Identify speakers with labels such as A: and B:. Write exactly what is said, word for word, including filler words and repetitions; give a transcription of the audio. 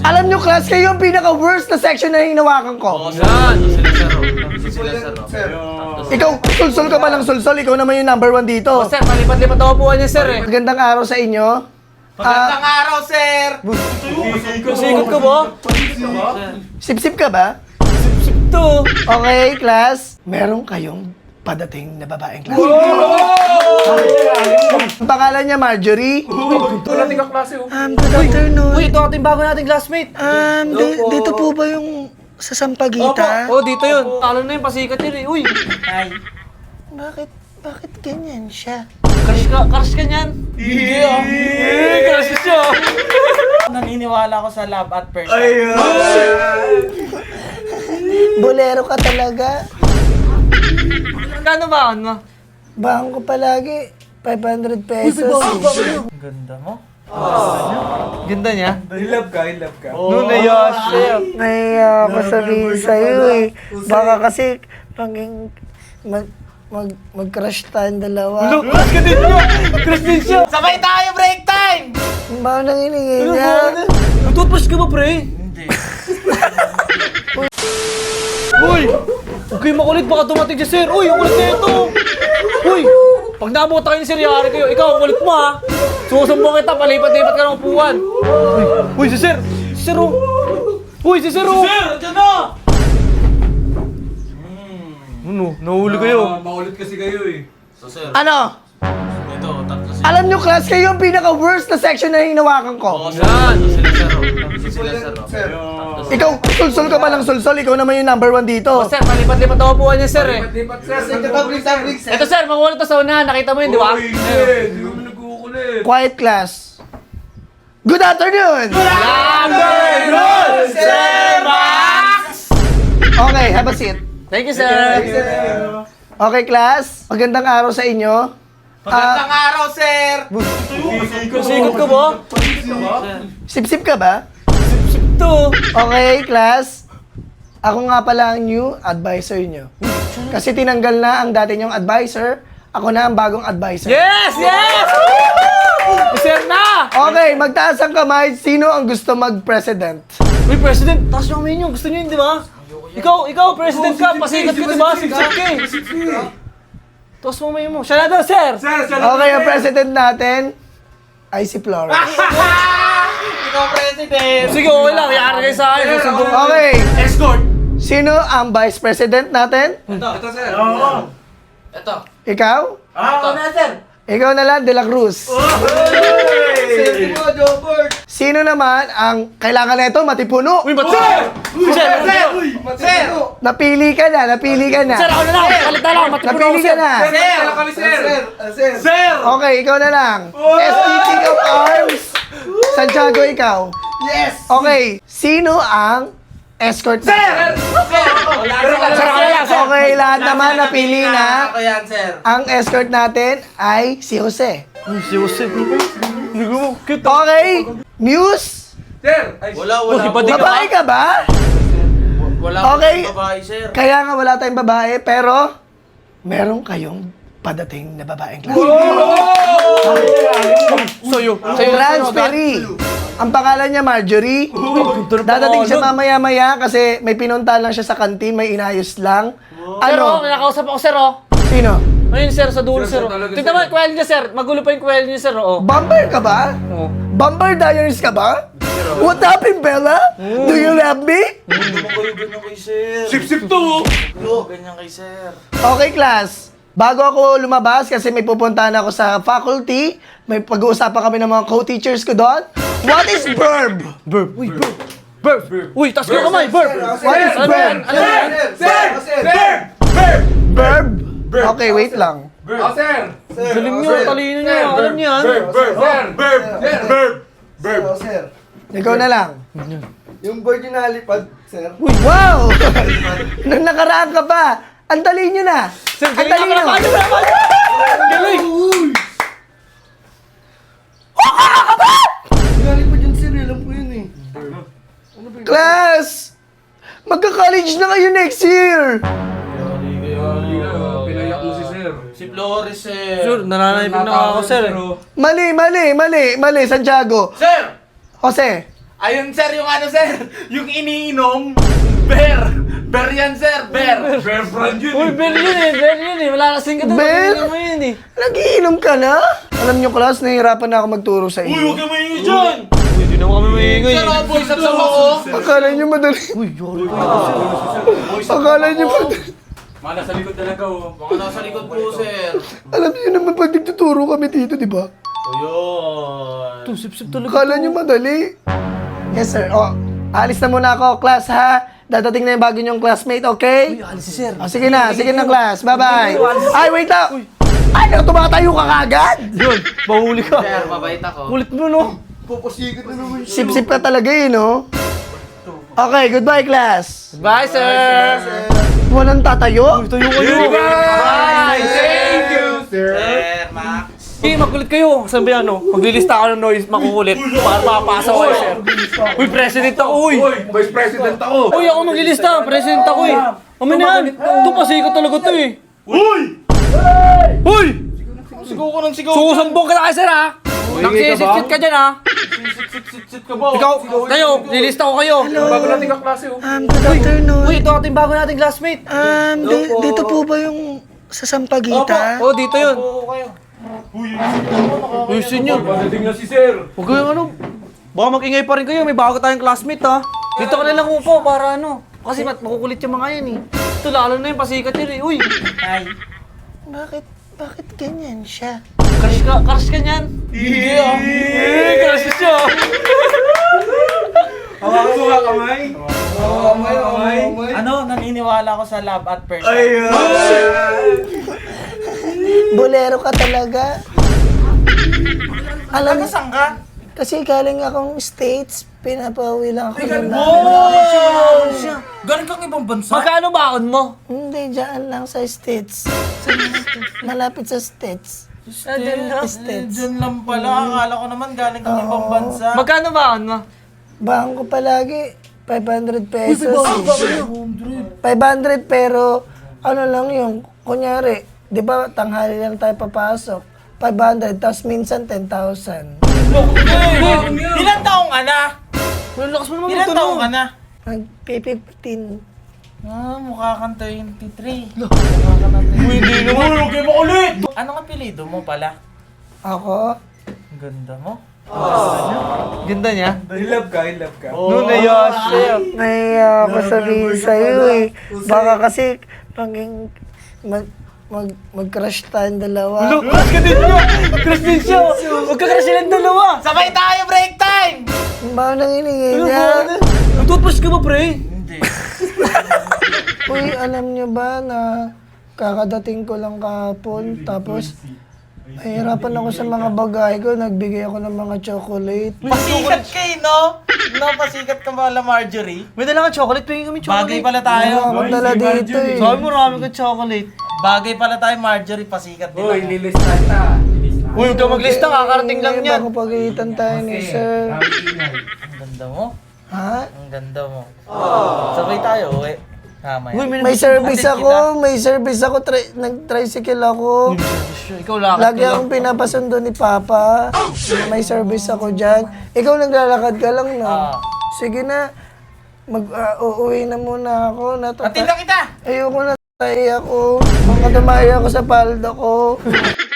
A: Alam nyo, class, kayo yung pinaka-worst na section na hinawakan ko.
B: Yan! Sila sir, sir.
A: Ikaw, sulsol ka pa ng sulsol. Ikaw naman yung number one dito.
B: Oh, sir, palipat-lipat ako po niya, sir, eh.
A: Magandang araw sa inyo.
C: Magandang araw, sir!
B: Sikot ko ba?
A: Sip-sip ka ba?
B: Sip to.
A: Okay, class. Meron kayong padating na babaeng class. Ang pangalan niya, Marjorie.
B: Ito natin kaklase, oh.
A: Um, good afternoon.
B: Uy, ito ating bago nating classmate.
A: Um, di- dito po ba yung sa Sampaguita?
B: Oh, dito yun. Talo na yung pasikat yun, eh. Uy,
A: Bakit, bakit ganyan siya?
B: crush ka, crush ka niyan. Hindi, ah. Eh, crush siya.
C: Naniniwala ko sa love at first.
A: Bolero ka talaga.
B: Kano ba, ano?
A: Bahang ko palagi. five hundred pesos.
C: Ganda mo.
B: Ganda niya.
C: I love ka, I love ka.
B: Noon na yun, siya.
A: Naiya ako sabihin sa'yo eh. Baka kasi paging mag, mag, mag-crush tayong dalawa.
B: Look, crush ka din niya. Crush din siya.
C: Sabay tayo, break time!
A: Ang baho nang hiningin niya.
B: Nag-toothbrush ka ba, pre?
C: Hindi.
B: Uy! Huwag kayo makulit, baka dumating si sir. Uy, ang kulit na ito. Uy! Pag nabuta kayo ni sir, yari kayo. Ikaw, ang kulit mo, ha? Susumbong kita, palipat-lipat ka ng upuan. Uy, uy, si sir! Si sir, oh! Uy, si sir, oh! Si sir, dyan na! Ano? Nahuli kayo.
C: Maulit kasi kayo eh.
D: So sir,
A: Ano?
D: ito, tatlo sila.
A: Alam nyo, class, kayo yung pinaka-worst na section na hinawakan ko.
D: Yan! Sila sir, oh. Sila sir, oh.
A: Ikaw, sulsol ka pa ng sulsol. Ikaw naman yung number one dito.
B: Oh, sir, palipat-lipat ako upuan niya, sir, eh.
C: Lipat, sir. Sir, sir.
B: Ito, sir, makulit to sa unahan. Nakita mo yun, di ba?
C: Uy, hindi mo nagkukulit.
A: Quiet class. Good afternoon!
B: Number
C: Sir Max!
A: Okay, have a seat.
B: Thank you, sir.
A: Okay, class. Magandang araw sa inyo.
C: Magandang araw, sir!
B: Sikot ko ba?
A: Sip-sip ka ba?
B: Sip to.
A: Okay, class. Ako nga pala ang new advisor nyo. Kasi tinanggal na ang dati nyong advisor. Ako na ang bagong advisor.
B: Yes! Yes! Sir na!
A: Okay, magtaas ang kamay. Sino ang gusto mag-president?
B: Uy, President, taas yung kamay niyo. Gusto niyo yun, di ba? Ikaw, ikaw, President ka. Pasikat ka, di ba? Siksik ka eh. Taas mo kamay mo. Siya na daw, sir!
C: Sir, sir.
A: Okay, ang president natin ay si Flores.
C: Ikaw, president!
B: Sige, okay lang. Yara kayo sa akin. Susumbong ko.
A: Okay,
C: Escort!
A: sino ang vice president natin?
C: Ito, ito, sir.
D: Ito.
A: Ikaw?
C: Ito na, sir.
A: Ikaw na lang, De La Cruz.
C: Sir mo, Jobert!
A: Sino naman ang kailangan nito matipuno?
B: Uy, ba't sir? Sir,
C: Sir! Sir!
A: Napili ka na, napili ka na.
B: Sir, ako na lang. Palit na lang. Matipuno
A: Napili
B: ako,
A: ka
B: sir.
A: na.
C: Sir! kami, sir! Sir! Sir!
A: Okay, ikaw na lang. S P T of Arms. Santiago, ikaw.
C: Yes!
A: Okay, sino ang escort
C: Sir!
A: natin?
C: Sir! Wala
B: Sir, ako na lang, sir.
A: Okay, lahat naman napili na.
C: Ako yan, sir.
A: Ang escort natin ay si Jose.
B: Uy, si Jose. Hindi ko mo. Cute.
A: Okay, Muse.
C: Sir!
D: Wala,
B: Uy,
D: wala.
B: ba't di ka?
A: Babae ka ba?
D: Wala
A: Okay.
D: akong babae, sir.
A: Kaya nga wala tayong babae, pero meron kayong padating na babaeng klase.
B: Sa'yo. Sa'yo.
A: Transferee. Ang pangalan niya Marjorie. Dadating siya mamaya-maya kasi may pinunta lang siya sa kantin, may inayos lang.
B: Sir, oh,
A: Ano?
B: nakakausap ako, sir, oh.
A: Sino?
B: Ayun, sir, sa dulo,
C: Sir,
B: sir.
C: sir, talaga,
B: Tignan mo
C: sir.
B: yung kwel niya, sir. Magulo pa yung kwel niya, sir, oh.
A: Bumper ka ba?
B: Oo.
A: Bumper Diaries ka ba? What happened, Bella? Do you love me?
D: Hindi mo kayo ganyan kay sir.
C: Sip-sip to!
D: Hindi mo ganyan kay sir.
A: Okay, class. Bago ako lumabas, kasi may pupuntahan ako sa faculty, may pag-uusapan kami ng mga co-teachers ko doon. What is verb?
B: Burp. Uy, burp. Burp. Uy, tas ko kamay, burp.
A: What is
B: Ano yan?
A: verb?
B: Ano yan?
C: Sir! Sir! Sir!
A: Verb? Okay, wait lang.
C: Oh, sir!
B: Galing niyo, talino niyo. Alam niyo yan.
C: Verb! Verb! Verb! Verb! Verb!
E: Sir,
A: Ikaw na lang.
E: yung bird yung nalipad, sir.
A: Wow! Nung nakaraan ka pa, ang dali nyo na.
B: Sir,
A: Ang
B: galing
A: dali
B: na.
A: nyo.
B: Paano ba? Paano? Galing.
E: Nalipad yun, sir. Alam ko yun eh.
A: Class! Magka-college na kayo next year.
C: Pinayak mo si sir.
D: Si Flores, sir.
B: Sir, nananayipin na ako, sir.
A: Mali, mali, mali, mali, Santiago.
D: Sir!
A: Jose,
D: Ayun sir, yung ano sir, yung iniinom, bear. Bear yan sir, bear.
C: Bear brand yun
B: Uy,
C: eh.
B: Bel yun eh, Bel yun eh. Wala kasing ka doon.
A: Bel?
B: Ano mo yun eh.
A: Nagiinom ka na? Alam nyo, class, nahihirapan na ako magturo sa
D: Uy,
A: inyo.
D: huwag ka maingay dyan.
B: Uy, hindi naman kami maingay.
D: Sir, ako boys at sama ko.
A: Akala nyo madali.
B: Uy, yori ko.
A: Akala nyo madali.
C: Mga nasa likod talaga oh.
D: Baka nasa likod po sir.
A: Alam nyo naman pag nagtuturo kami dito, di ba?
D: O yun.
B: Ito, sip-sip talaga.
A: Akala nyo madali. Yes, sir. O, alis na muna ako, class, ha? Dadating na yung bago nyong classmate, okay?
B: Uy, alis si sir.
A: O, sige na, sige na, class. Bye-bye. Ay, wait lang. Ay, naku, tumatayo ka kagad.
B: Yun, mahuli ka.
D: Sir, mabait ako.
B: Kulit mo, no?
E: Papasikat na naman siya.
A: Sip-sip ka talaga eh, no? Okay, goodbye, class.
B: Bye, sir.
A: Walang tatayo?
B: Uy, tayo kayo.
C: Bye! Thank you, sir.
D: Sir, Max.
B: Okay, magkulit kayo. Sabi ano, maglilista ako ng noise, makukulit. Para mapasa ko eh, sir. Uy, president ako, uy.
C: Uy, vice president ako.
B: Uy, ako maglilista. President ako eh. Amin na yan. Ito, pasikat talaga to eh.
C: Uy!
B: Uy!
D: Sigaw ko ng sigaw.
B: Susambong ka na kay sir, ha? Nagsisitsit ka dyan, ha?
D: Sit ka ba?
B: Ikaw, kayo, lilista ko kayo.
C: Bago natin kaklase oh.
A: Um, good afternoon.
B: Uy, ito ating bago nating classmate.
A: Um, di- dito po ba yung sa Sampaguita?
B: Oo, dito yun.
D: Oo kayo.
B: Ayusin nyo.
C: Pagdating na si sir.
B: Huwag kayong ano. Baka mag-ingay pa rin kayo. May bago tayong classmate, ha? Dito ka na lang upo para ano. Kasi mat makukulit yung mga yan, eh. Ito, lalo na yung pasikat yun, eh. Uy,
A: Bakit, bakit ganyan siya?
B: crush ka, crush ka niyan. Hindi, ah. Eh, crush siya.
C: Hawakan mo nga kamay.
E: Kamay, kamay, kamay.
D: Ano, naniniwala ko sa love at first sight.
C: Ayun.
A: Bolero ka talaga. Alam mo,
D: Saan ka?
A: kasi galing akong States, pinapauwi lang ako ng
D: Oh! Galing kang ibang bansa?
B: Magkano baon mo?
A: Hindi, dyan lang sa States. Malapit sa States.
D: States.
A: States.
D: Diyan lang pala. Akala ko naman galing kang ibang bansa.
B: Magkano baon mo?
A: Bahan ko palagi, five hundred pesos. five hundred pero, ano lang yung, kunyari, di ba tanghali lang tayo papasok, five hundred, tapos minsan ten thousand.
D: Ilan taong ka na?
B: Ang lakas mo naman
D: Ilan
B: ito,
D: taong ka
B: no?
D: na?
A: Nag-fifteen.
D: Ah, mukha kang twenty-three.
B: Uy, hindi naman.
C: Huwag kayo makulit.
D: Anong apelido mo pala?
A: Ako,
D: Ang ganda mo.
B: Ganda niya.
C: I love ka, I love ka.
B: No, nayas siya.
A: nahiya ako sabihin sa'yo eh. Baka kasi, paging, mag, mag, mag-crush tayong dalawa.
B: Look, crush ka din niya. Crush din siya. Huwag ka crush silang dalawa.
D: Sabay tayo, break time!
A: Ang baho nang hiningi
B: Ano
A: niya.
B: ba? Nag-toothbrush ka ba, pre?
D: Hindi.
A: Uy, alam niyo ba na kakadating ko lang kahapon, tapos nahihirapan ako sa mga bagay ko, nagbigay ako ng mga chocolate.
D: Pasikat kayo, no? No, pasikat ka pala, Marjorie.
B: May dala ka chocolate. Pingin kami chocolate.
D: Bagay pala tayo.
A: Ako dala dito eh.
B: Sabi mo, marami ka chocolate.
D: Bagay pala tayo, Marjorie. Pasikat din
C: Uy,
D: ako.
C: lilis na ta. Lilis na.
B: Uy, huwag ka maglista. Kakarating lang
A: Ngayon,
B: yan.
A: baka pagalitan tayo ni sir.
D: Ang ganda mo.
A: Ha?
D: Ang ganda mo. Sabay tayo, uwi. Tama
B: Uy,
D: yan.
A: May service
D: Hatid
A: ako, may service ako, tri- nag-tricycle ako.
B: Ikaw lakad
A: Lagi
B: ka lang.
A: akong pinapasundo ni Papa. May service ako dyan. Ikaw naglalakad ka lang, no?
D: Ah.
A: Sige na. Mag, ah, uuwi na muna ako. Natata-
D: Hatid na kita!
A: Ayoko na tayo ako. Mga dumayo ako sa paldo ko.